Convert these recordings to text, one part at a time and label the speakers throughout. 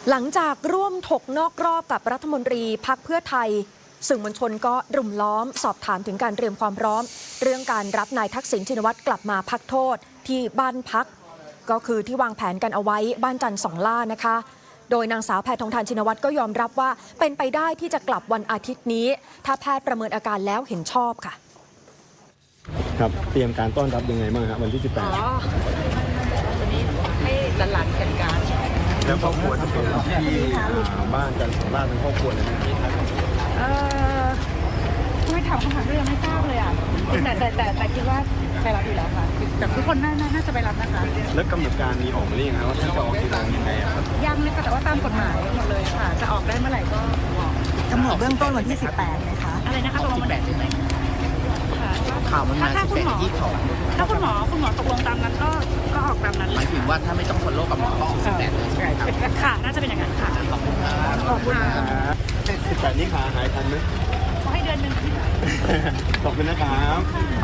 Speaker 1: หลังจากร่วมถกนอกรอบกับรัฐมนตรีพรรคเพื่อไทยสื่อมวลชนก็รุมล้อมสอบถามถึงการเตรียมความพร้อมเรื่องการรับนายทักษิณชินวัตรกลับมาพักโทษที่บ้านพักก็คือที่วางแผนกันเอาไว้บ้านจันทร์สองล่านะคะโดยนางสาวแพทองธารชินวัตรก็ยอมรับว่าเป็นไปได้ที่จะกลับวันอาทิตย์นี้ถ้าแพทย์ประเมินอาการแล้วเห็นชอบค่ะ
Speaker 2: ครับเตรียมการต้อนรับยังไงบ้างครับวันที่ 18
Speaker 3: วันนี้ให้หลานๆจัดการ
Speaker 2: แล้วครอบครัวที่เป็นที่บ้านกันของบ้านเป็นครอบครัวเลยนะครับ
Speaker 3: ไม่ถามคำถามก็ยังไม่ทราบเลยอ่ะแต่คิดว่าไปรับอยู่แล้วค่ะแต่ทุกคนน่าจะไปรับนะคะ
Speaker 2: แล้วกำหนดการมีออกมาหรือยังครับว่าท่านจะออกกี่โมงยังไงครับ
Speaker 3: ยังเลยค่ะแต่ว่าตามกฎหมายหมดเลยค่ะจะออกได้เมื่อไหร่ก็บอก
Speaker 4: กำหนดเบื้องต้นวันที่18นะคะ
Speaker 3: อะไรนะคะตกลงวันที่18ไหม
Speaker 4: ข่าวมันมา
Speaker 3: 18 22ถ้าคุณหมอตกลงตามนั้นก็ออกตามนั้น
Speaker 4: หมายถึงว่าถ้าไม่ต้องฟอลโล่กับหมอก็ออก18เลยใช่ไหมครับ
Speaker 3: ค่ะน่าจะเป็นอย่างนั้นค่ะ
Speaker 4: ขอบคุณครับ
Speaker 3: ขอบคุณ
Speaker 2: ครับ18นี้ขาหายทันไหม
Speaker 3: ขอให้เดือนนึง
Speaker 2: ขอบคุณนะครับ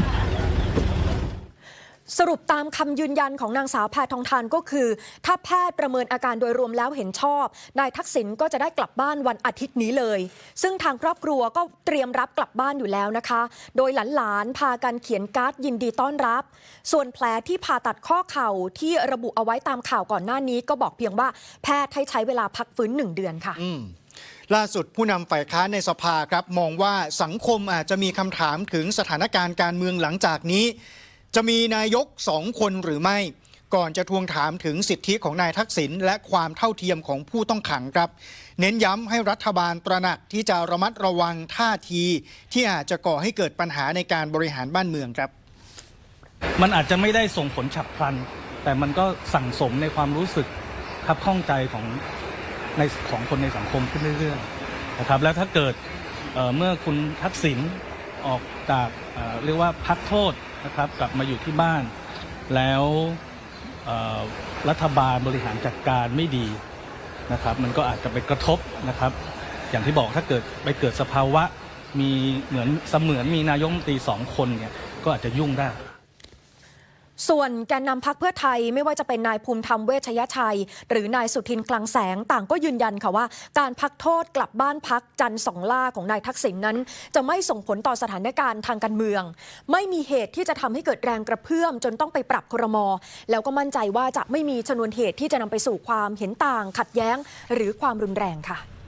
Speaker 1: สรุปตามคำยืนยันของนางสาวแพทองธารก็คือถ้าแพทย์ประเมินอาการโดยรวมแล้วเห็นชอบนายทักษิณก็จะได้กลับบ้านวันอาทิตย์นี้เลยซึ่งทางครอบครัวก็เตรียมรับกลับบ้านอยู่แล้วนะคะโดยหลานๆพากันเขียนการ์ดยินดีต้อนรับส่วนแผลที่ผ่าตัดข้อเข่าที่ระบุเอาไว้ตามข่าวก่อนหน้านี้ก็บอกเพียงว่าแพทย์ให้ใช้เวลาพักฟื้น1 เดือนค่ะ
Speaker 5: ล่าสุดผู้นำฝ่ายค้านในสภาครับมองว่าสังคมอาจจะมีคำถามถึงสถานการณ์การเมืองหลังจากนี้จะมีนายก2 คนหรือไม่ก่อนจะทวงถามถึงสิทธิของนายทักษิณและความเท่าเทียมของผู้ต้องขังครับเน้นย้ำให้รัฐบาลตระหนักที่จะระมัดระวังท่าทีที่อาจจะก่อให้เกิดปัญหาในการบริหารบ้านเมืองครับ
Speaker 6: มันอาจจะไม่ได้ส่งผลฉับพลันแต่มันก็สั่งสมในความรู้สึกคับข้องใจของคนในสังคมขึ้นเรื่อยๆนะครับแล้วถ้าเกิดเมื่อคุณทักษิณออกจากเรียกว่าพักโทษนะครับกลับมาอยู่ที่บ้านแล้วรัฐบาลบริหารจัดการไม่ดีนะครับมันก็อาจจะไปกระทบนะครับอย่างที่บอกถ้าเกิดไปเกิดสภาวะมีเหมือนมีนายกรัฐมนตรี2 คนเนี่ยก็อาจจะยุ่งได้
Speaker 1: ส่วนแกนนำพรรคเพื่อไทยไม่ว่าจะเป็นนายภูมิธรรมเวชยชัยหรือนายสุทินคลังแสงต่างก็ยืนยันค่ะว่าการพักโทษกลับบ้านพักจันทร์สองล่าของนายทักษิณนั้นจะไม่ส่งผลต่อสถานการณ์ทางการเมืองไม่มีเหตุที่จะทำให้เกิดแรงกระเพื่อมจนต้องไปปรับครม.แล้วก็มั่นใจว่าจะไม่มีชนวนเหตุที่จะนำไปสู่ความเห็นต่างขัดแย้งหรือความรุนแรงค่ะ